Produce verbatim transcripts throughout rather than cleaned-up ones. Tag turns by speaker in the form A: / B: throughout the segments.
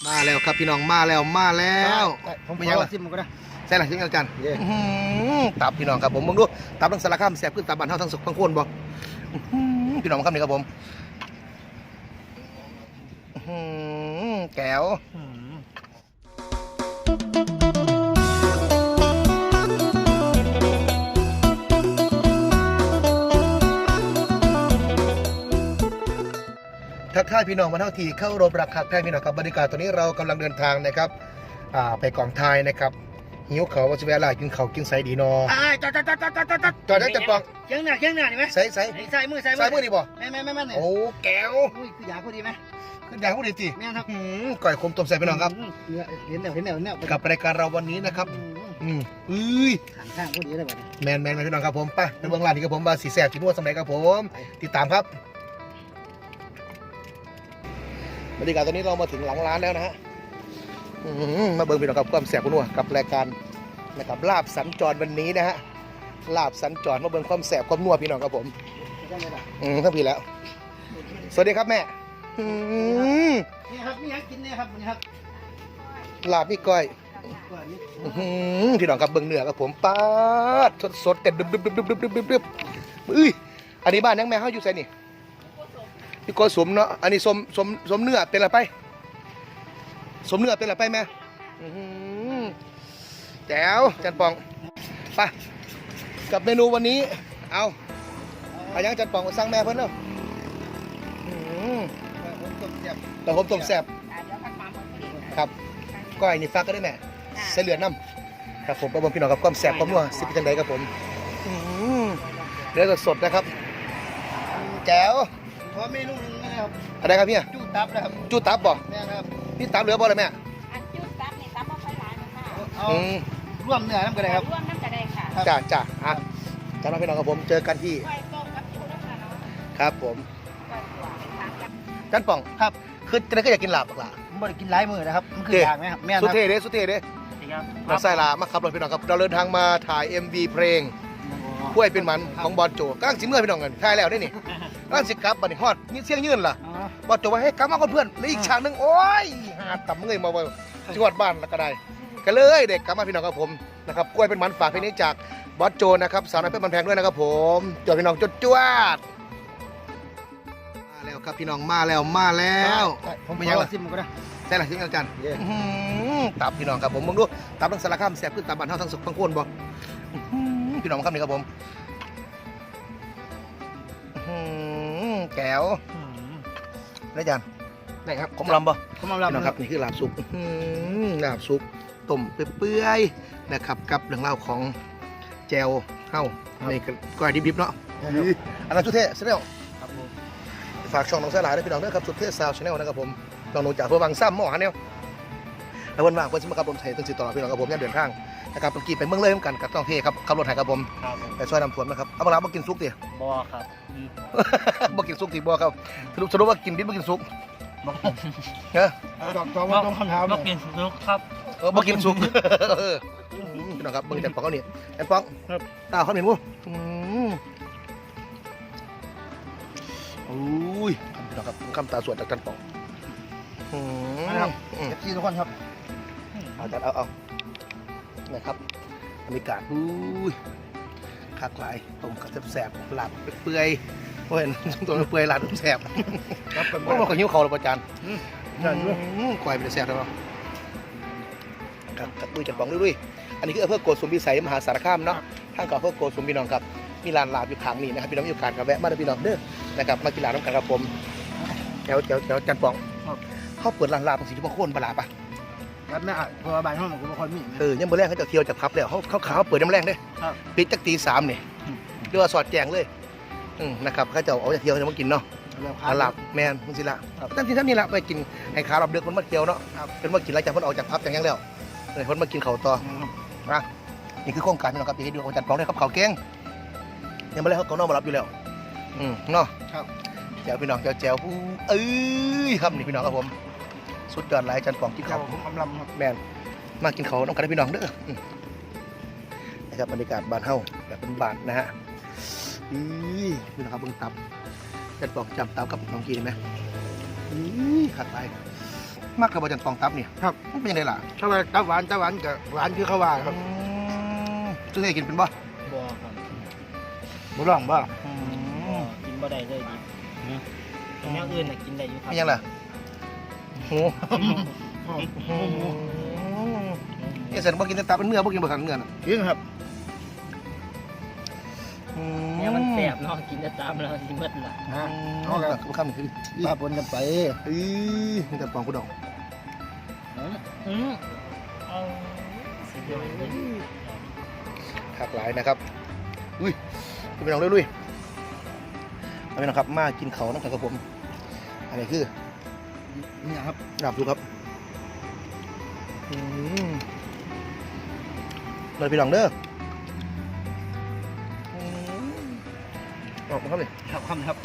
A: มาแล้วครับพี่น้องมาแล้วมาแล้ว
B: ผม
A: ไม่ยังล่ะ
B: ซิมมันก็ได้
A: ใช่หลังที่อาจารย์ตับพี่น้องครับผมมึงดูตับทั้งสารคามแซ่บขึ้นตับบ้านเฮาทั้งสุกทั้งโคนบ่พี่น้องครับนี่ครับผมแก้วทักทายพี่น้องมาเท่าทีเข้ารบรักคักแท้พี่น้องครับบรรยากาศตอนนี้เรากำลังเดินทางนะครับไปกองไทยนะครับหิวเขาว่าจะเวลากินเขากินไซดีนอ
B: จอดจอดจอดจอดจอดจอดจอด
A: จอดได้จัดปอง
B: เคียงหน้าเคียงหน้านี่ไหม
A: ใส่ใส่
B: ใส่มือใส่มือ
A: ใส่มือนี่บ่
B: แม่แม่แม่แม่เนี่ย
A: โอ้แก้ว
B: อุ้ยคือยาพอดีไหม
A: คือยาพอดีจี
B: แม่ครับ
A: ก่อยคมต้มใส่พี่น้องครับ
B: เห็นแนวเห็นแนวเห็นแนว
A: กับรายการเราวันนี้นะครับอืมอุ้ย
B: ข้างข้างพอดีเลยแบบนี้
A: แมนแมนพี่น้องครับผมไปในเบื้องหลังนี่ครับผมบาสีแสบจีนวดสมัยครับผมติดตามครับบรรยากาศตอนนี้เรามาถึงหลังร้านแล้วนะฮะมาเบิ่งพี่น้องกับความแสบคุณนัวกับรายการนะครับลาบสัญจรวันนี้นะฮะลาบสัญจรมาเบิ่งความแสบความนัวพี่น้องครับผมอืมทั้งพี่แล้วสวัสดีครับแม่
B: นี่ครับนี่ครับกินเนี่ยครับนี่ครับ
A: ลาบพี่ก้อยพี่น้องกับเบิ่งเนื้อครับผมป๊าดสดสดแต่ดึบดึบดึบดึบดึบดึบดึบดึบอุ้ยอันนี้บ้านยังแม่เขาอยู่ไสนี่พี่โกสมเนาะอันนี้สมสมสมเนื้อเป็นอะไรไปสมเนื้อเป็นอะไรไปแม่แจ๋วจันปองไปกับเมนูวันนี้เอาอายังจันปองสั่งแม่เพิ่นเนาะแต่ผมต้มแซ่บครับก้อยนี่ฟักก็ได้แม่ใส่เหลือน้ำครับผมประมวลพี่น้องกับความแซ่บความนัวสิเป็นจังไดครับผมเนื้อสดๆนะครับแจ๋ว
B: ขอเมนูนึงนะครับ
A: อะไรครับพี่
B: จู้ตับนะครับ
A: จู้ตับบ่
B: แม่ครับ
A: พี่ตับเหลือบ่เลยแม่
C: อันจู้ตับนี่ตับบ่ค่อยหลายนะคะ
B: เอาร่วมเนื้อน้ำกระไดครับ
C: ร่วมน้ำกระไดค่ะ
A: จ้าจ้าอ่ะจ้าน้องพี่น้องกับผมเจอกันที่ครับผมจันป่อง
B: ครับ
A: คือจะได้ก็อยากกินลาบหรอ
B: ผมไม่ได้กินหลายมื้อนะครับมันคืออย่างไหมครับแม่
A: สุเทเด้สุเทเด้เราใส่ลามาขับรถพี่น้องครับเราเดินทางมาถ่าย เอ็ม วี เพลงกล้วยเป็นมันของบอลโจกำลังสิเมื่อพี่น้องกันถ่ายแล้วได้นี่กำลังสิกลับบัดนี้ฮอดนี่เสียงยืนล่ะบอลโจว่าให้กลับมาคนเพื่อนแล้วอีกฉากนึงโอ้ยหาต่ำเงยมาว่าจังหวัดบ้านแล้วก็ได้ก็เลยเด็กกลับมาพี่น้องกับผมนะครับกล้วยเป็นมันฝากเพลงนี้จากบอลโจนะครับสาวน้อยเพชรมันแพงด้วยนะครับผมจวดพี่น้องจวดจวดมาแล้วครับพี่น้องมาแล้วมาแล้ว
B: ผมไม่ยังซิมมันก็ได้
A: ใช่หลังที่อาจารย์ตับพี่น้องครับผมมึงดูตับทั้งสารคามแซ่บขึ้นตับบ้านเฮาทั้งสุกทั้งโคนบ่พี่น้องครับนี่ครับผมแก้วได้จานได้ครับผมลำบ่
B: ผมลำ
A: พี่น้องครับนี่คือลาบสุกลาบสุกต้มเปื่อยๆนะครับกับเรื่องเล่าของแจวเฮ้าในก้อยดิบๆเนาะอันนั้นสุดเท่ชาแนลฝากช่องน้องสายหลายด้วยพี่น้องด้วยครับสุดเท่ซาวชาแนลนะครับผมน้องหนูจากเพื่อวังซ้ำหม้อฮันเนี่ยแล้ววันว่างเพื่อนสมัครกับรถไถตั้งสิต่อพี่น้องกับผมเนี่ยเดินทางนะครับเมื่อกี้ไปเมืองเลยเหมือนกันกับต้องเท่ครับขับรถไถกับผมไปช่วยนำสวนนะครับเอาเวลามากินซุกดิ
B: บ่ครับ
A: มากินซุกดิบ่ครับสรุปสรุปว่ากินดิบมากินซุกเนาะ
B: ตอบตอบว่าต้องคำถาม
D: มากินซุกครับ
A: เออมากินซุกพี่น้องครับมึงจันปองเขาเนี่ยแอนปองตาเขาเห็นมั้งอุ้ยพี่น้องครับคำตาสวดจากจันปอง
B: นะครับที่ทุกคนครับ
A: เอาจัดเอาเอานะครับบรรยากาศอุ้ยคักหลายต้มกระแสบหลับเปื่อยโอ้ยตัวเปื่อยหลับแสบเพราะว่าเขาหิ้วเขาหรือประจันก่อยเป็นแสบแล้วครับกับด้วยจัดปองด้วยอันนี้คืออำเภอโกสุมพิสัยมหาสารคามเนาะทางเก่าอำเภอโกสุมพี่น้องครับมีร้านลาบอยู่ข้างนี้นะครับพี่น้องอยู่การกับแวะมาได้พี่น้องเด้อนะครับมากินลาบน้ำกันครับผมแถวแถวแถวจันปองเขาเปิดร้านลาบตรงสีชมพูโค่นปลาปะ
B: ครับแม่อ่ะเพราะว่าบ้านห้องของคนมี
A: เออยังมื้อแรกเขาจะเที่ยวจากพับแล้วเขาเขาขาวเปิดน้ำแรงได้ปิดจักตีสามเนี่ยเรียกว่าสอดแจงเลยนะครับเขาจะเอาจากเที่ยวจะมากินเนาะลาบแมนมึงสิละตั้งที่ท่านนี่ละไปกินไอ้ขาลาบเดือกคนมาเที่ยวเนาะเป็นมากินหลังจากคนออกจากพับอย่างนี้แล้วเลยคนมากินเขาต่อนะนี่คือโครงการที่เราครับที่ให้ดูของจัดปองได้ครับเขาเก่งยังไม่ได้เขาเขานอกมารับอยู่แล้วอืมเนาะแจวพี่น้องแจวแจวผู้เอ้ยครับนี่พี่น้องครับผมสุดยอดหลายจันปองกินข้าว
B: ผมกำลัง
A: แมนมากินข้าวต้องการพี่น้องเด้อนะครับบรรยากาศบ้านเฮาแบบเป็นบ้านนะฮะอือพี่น้องครับเบิ่งตับจันปองจำตับกับน้องกีได้ไหมอือขัดไปมากกับบะจันปองตับเนี่ย
B: ครับ
A: มันเป็นยังไงล่ะ
B: ถ้าว่าตับหวานตับหวานกับหวานคือเขาว่าครับ
A: ซื้อให้กินเป็นบ่
D: บ่ครับ
B: บุร้องบ่
A: อื
D: บ่
A: ม
D: กินบ่ได้เลยดิอย่างอื่นน่ะกินได้อยู่ครับ
A: เป็นยังล่ะโหเนี่ยเสร็จบ่กินแต่ตับเป็นเนื้อบ่กินบ่ขันเนื้อน่ะ
B: จริงครับ
D: เนี่ยมันแซ่บเนาะกินแต่ตามแล้วสิหมดล่ะ
B: ฮะ
A: เอา
B: เอา
A: ละ
B: ละ
A: บ่คำนี่คือ
B: ป้าปนกันไป
A: อีนี่แต่ปองกูดอง
D: อืมอืมเอาสิเดียวเลย
A: คักหลายนะครับอุ้ยคุณไปลองลุยๆเอาไปนะครับมากินเขาน้ำกันกับผมอันนี้คือ
B: เนี่ยครับ
A: ลาบดูครับอืมเลยพี่น้องเด้ออืมออกมาครับเลย
B: ครับคำครับ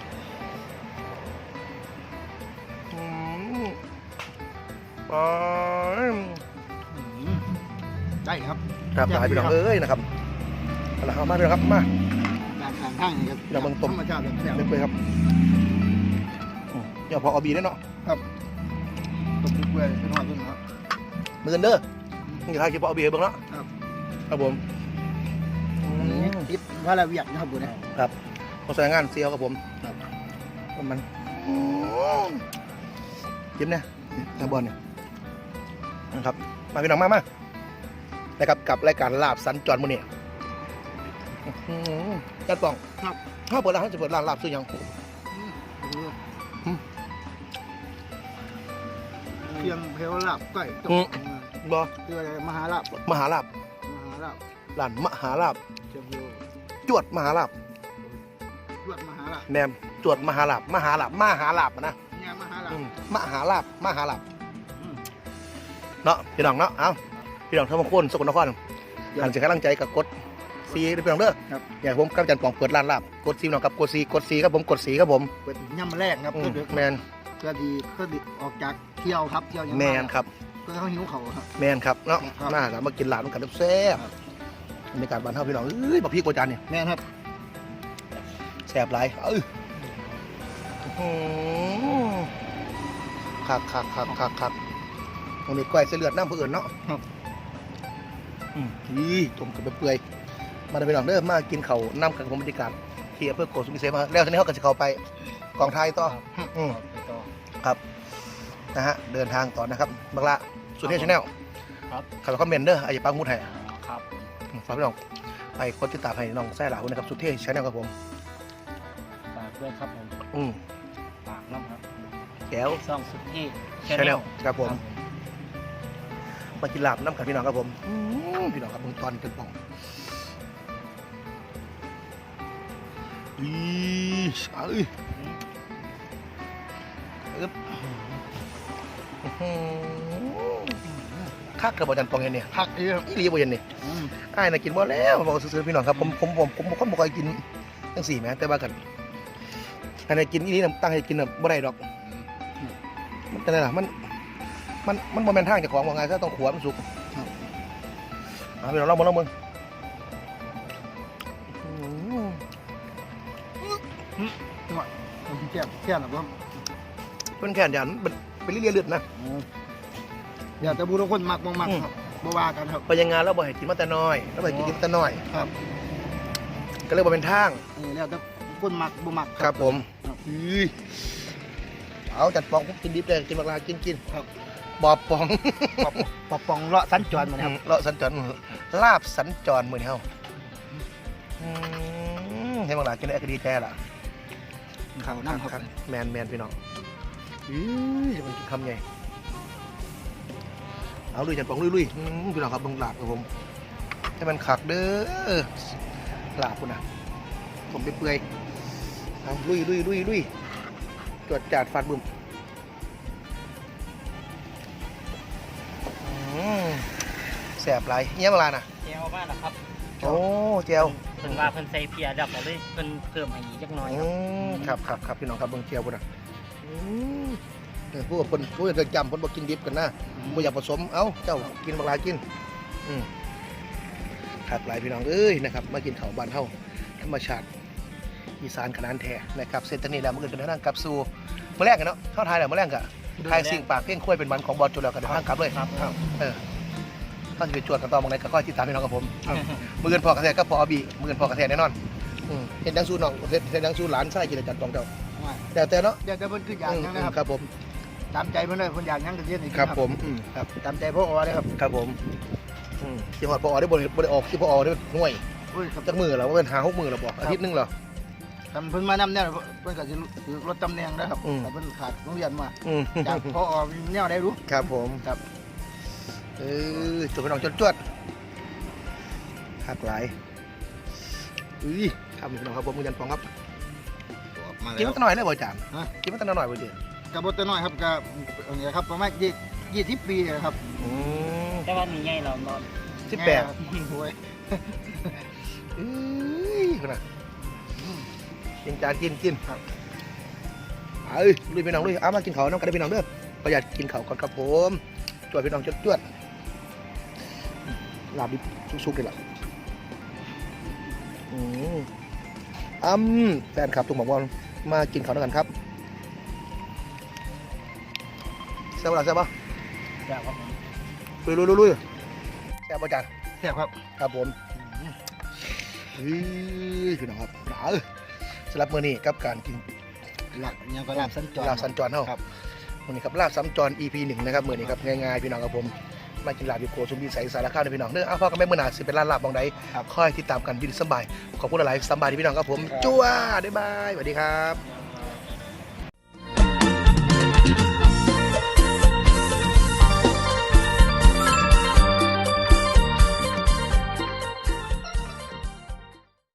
A: อืมอ๋อ
B: ได้ครับ
A: ครับหลายพี่น้องเอ้ยนะครับเอาละครับมาพี่น้องครับมา
B: การทางข้างนี่ครับ
A: เดี๋ยวมันต้ม
B: ธรรมชาติแบบแซ่บ
A: เล็กเลยครับอืมเดี๋ยวพอเอาบีได้เนาะ
B: ต้มเปื่อยๆเป็นหอดต้นครับ
A: มือกันเด้อนี่ท้ายคลิปพอเอาบีให้เบิ่งเนาะ
B: ครับ
A: ครับผมอืม
B: ติดว่าละเวียกนะครับบุญนะ
A: เขาใส่งานเซียวกับผม
B: ครับ
A: ผมมันจิ้มเนี่ยตาบอลเนี่ยนะครับมาพี่น้องมามานะครับกับรายการลาบสัญจรมื้อนี้อื้อหือจัดป่อง
B: ครับ
A: ถ้าเปิดร้านเขาจะเปิดร้านลาบซื้อหยัง
B: เพียงเพลลาบก้อยต้ม
A: บ่
B: คืออะไรมหาลาบ
A: มหาลาบ
B: มหาลาบ
A: ร้านมหาลาบ
B: เชียงเพียว
A: จวดมหาลาบ
B: รวดมหาลาบ
A: แมมจวดมหาลาบมหาลาบมหาลาบอะนะ
B: เนี่ยมหาลาบ
A: อืมมหาลาบมหาลาบ
B: อืม
A: เนาะพี่น้องเนาะเอ้าพี่น้องทั้งบางคนสกลนครหันเสียงกำลังใจกับกดซีด้วยพี่น้องเด้อ
B: ครับ
A: อยากให้ผมกับอาจันปองเปิดร้านลาบกดซีพี่น้องครับกดซีกดซีครับผมกดซีครับผม
B: เปิดย่ำแรกครับ
A: อืม
B: เพื่อ
A: แมน
B: เพื่อดีเพื่อดีออกจากเที่ยวครับเที่ยวยัง
A: แมนครับ
B: เพื่อเขาหิวเขาครับ
A: แมนครับเนาะ
B: ครับ
A: มาแล้วมากินลาบกันแซ่บ
B: ครับ
A: บรรยากาศบ้านเฮาพี่น้องเอ้ยบักพี่โกจานเนี่ย
B: แม่นครับ
A: แซ่บหลายเอ้ยอื้อหือคักคักคักคักคักตรงนี้ก้อยเส้นเลือดน้ำเพื่อนเนาะ
B: ครับ
A: อืมนี่ต้มกับเปื่อยๆมาได้ไปลองเด้อมากินเขาวน้ำกับผมบรรยากาศที่อำเภอโกสุมพิเศษมาแล้วทีนี้เขาก็จะเข้าไปกองไทยต่ออืม
D: ไปต่อ
A: ครับนะฮะเดินทางต่อนะครับบักละสุดเทพชาแนล
D: ครับ
A: ขับคอมเมนต์เด้อไอ้ปังมุดให้
D: ครับ
A: อืมฝากพี่น้องไปกดติดตามให้น้องแซ่หลาด้วยนะครับสุดเทพชาแนลครับผม
D: ฝากด้วยครับผม
A: อืม
D: ฝากน้ำครับ
A: แก้ว
D: ซ่องสุดที่
A: ชาแนลครับผมมากินลาบน้ำกับพี่น้องครับผมอืมพี่น้องครับผมตอนเป็นป่องอีเอ้ยอึ๊บอื้อหือคักกระบอกจันปองเห็นเนี่ย
B: ผักเยอะ
A: อีหลีบ่เห็นเนี่ย
B: อืม
A: อ้ายน่ะกินบ่แล้วบอกซื้อๆพี่น้องครับผมผมผมผมผมคนบ่ค่อยกินจังสี่แหมแต่ว่ากันอันนี้กินอีนี้น่ะตั้งให้กินน่ะบ่ได้ดอกมันเป็นไงล่ะมันมันมันบ่แม่นทางเจ้าของว่าไงซะต้องขัวมันสุกเอาพี่น้องลองมึงลองมึงอื้อ
B: จังหวะแก้มแก้มหรอครับ
A: มันแค่นยันมันเป็นเลียเลือดนะ
B: อยากจะบูทุกคนมักบ่มักครับบ่ว่ากันครับ
A: ไปยังงานแล้วบ่ให้กินมาแต่น้อยแล้วบ่ให้กินกินแต่น้อย
B: ครับ
A: ก็เลยบ่เป็นทาง
B: เออแล้วแต่คนมักบ่มัก
A: ครับผม
B: ครับ
A: อุ้ยเอาจัดปองผมกินดิบเลยกินบักลากินกิน
B: ครับ
A: บอบปอง
B: ปอบปอบปองเลาะสัญจรมานะครับ
A: เลาะสัญจรลาบสัญจรมือนี่เฮาอืมเห็นบักลากินได้ก็ดีใจล่ะ
B: เขานั่งครับ
A: แมนแมนพี่น้องอื้อจะมันกินคำใหญ่เอาลุยจัดปองลุยลุยอืมพี่น้องครับลงลาบครับผมให้มันขักเด้อลาบคุณนะผมเปื่อยๆเอาลุยลุยลุยลุยจวดจาดฟาดบึ้มอืมแสบไหลเงี้ยเวลาน่ะ
D: เจียวมากนะครับ
A: โอ้เจียว
D: เพิ่นว่าเพิ่นใส่เพียดับเอาเลยเพิ่นเพิ่มให้อีกจักหน่อย
A: อืมค
D: ครับ
A: รับครับครับพี่น้องครับเบิ่งเจียวพุ่นน่ะอืมเออผู้คนผู้จะจำคนบอกกินดิบกันนะบ่อยากผสมเอ้าเจ้ากินบักหลายกินอืมขาดหลายพี่น้องเอ้ยนะครับมากินข้าวบ้านเฮาธรรมชาติอีสานขนาดแท้นะครับเส้นตอนนี้แล้วมันเกิดเป็นทางกลับสู่มื้อแรกกันเนาะเท่าไทยแล้วมื้อแรกก็ทายสิ่งปากเพ่งคุ้ยเป็นวันของบอลจุดแล้วกันเดี๋ยวข้างกลับเลย
D: ครับ
A: เออถ้าจะไปจวดกันต่อมองไหนก็ค่อยติดตามพี่น้องกับผมมือเงินพอกระแทกก็พอบีมือเงินพอกระแทกแน่นอนอืมเห็นดังสู้น้องเห็นเห็นดังสู้หลานไส้กินจัดกองเจ้าแต่แต่เนาะ
B: เดี๋ยวจะเพิ่นคืออย่างนั้นนะครับ
A: ครับผม
B: ตามใจเพิ่นเลยเพิ่นอยากหยังก็เฮ็ดให้กิน
A: ครับผมอืมครับ
B: ตามใจพ่ออเลยครับ
A: ครับผมอืมที่หอดพอได้บริบริออกที่พอได้หน่วย
B: อุ้ยครับ
A: จักมือแล้วว่าเป็นหาหกมือแล้วบอกอาทิตย์หนึงเหรอ
B: ทำเพิ่นมานำเนี่ยเพิ่นก็สิถือรถตำแหน่งนะครับ
A: อืม
B: แต่เพิ่นขาดโรงเรียนมา
A: อืม
B: จากพ่ออแนวได้รู้
A: ครับผม
B: ครับ
A: เออจุดพี่น้องจวดจวดหักหลายอุ้ยครับพี่น้องครับผมมือยันฟองครับ
B: มา
A: กิน
B: แล้
A: มั
B: วน
A: ตั้งหน่อยเลยบ่อาจารย์
B: ฮะ
A: กินมันตั้งหน่อยบ่เดียว
B: กระบดตัวน้อยครับกระอันนี้ครับประมาณยี่ยี่สิบปีนะครับ
A: อืม
D: แต่ว่านี่ใหญ่เรานอน
A: สิบแปด
B: โอ้ย
A: เอ้ยคุณน่ะกินจานกินกินครับเอ้ยลุยพี่น้องลุยเอามากินเขาวน้ำกันได้พี่น้องเด้อประหยัดกินเขาวก่อนครับผมจวดพี่น้องจวดจวดลาบดิบสุกๆเลยล่ะอืมอ้ำแฟนคลับตุ่มบอกว่ามากินเขาวด้วยกันครับแซ่บปะล่ะแซ่บปะ
D: แบบว่า
A: ลุยลุยลุยลุยแซ่บปะจาน
B: แซ่บครับ
A: ครับผมเฮ้ยพี่น้องครับหนาวสำหรับมื้อนี้กับการกิน
B: หลักยังก็ลาบสัญจร
A: ลาบสัญจรเฮา
B: ครับ
A: มื้อนี้ครับลาบสัญจร อี พี หนึ่งนะครับมื้อนี้ครับง่ายๆพี่น้องครับผมมากินลาบอยู่โกสุมพิสัยสารคามนะพี่น้องเด้อเอาพ่อกับแม่มื้อหน้าสิเป็นร้านลาบบ่งใด
B: ครับ
A: ค่อยติดตามกันยินดีสำบายขอบคุณหลายๆสำบายที่พี่น้องครับผม
B: ครับ
A: จ้วบ๊ายบายสวัสดีครับ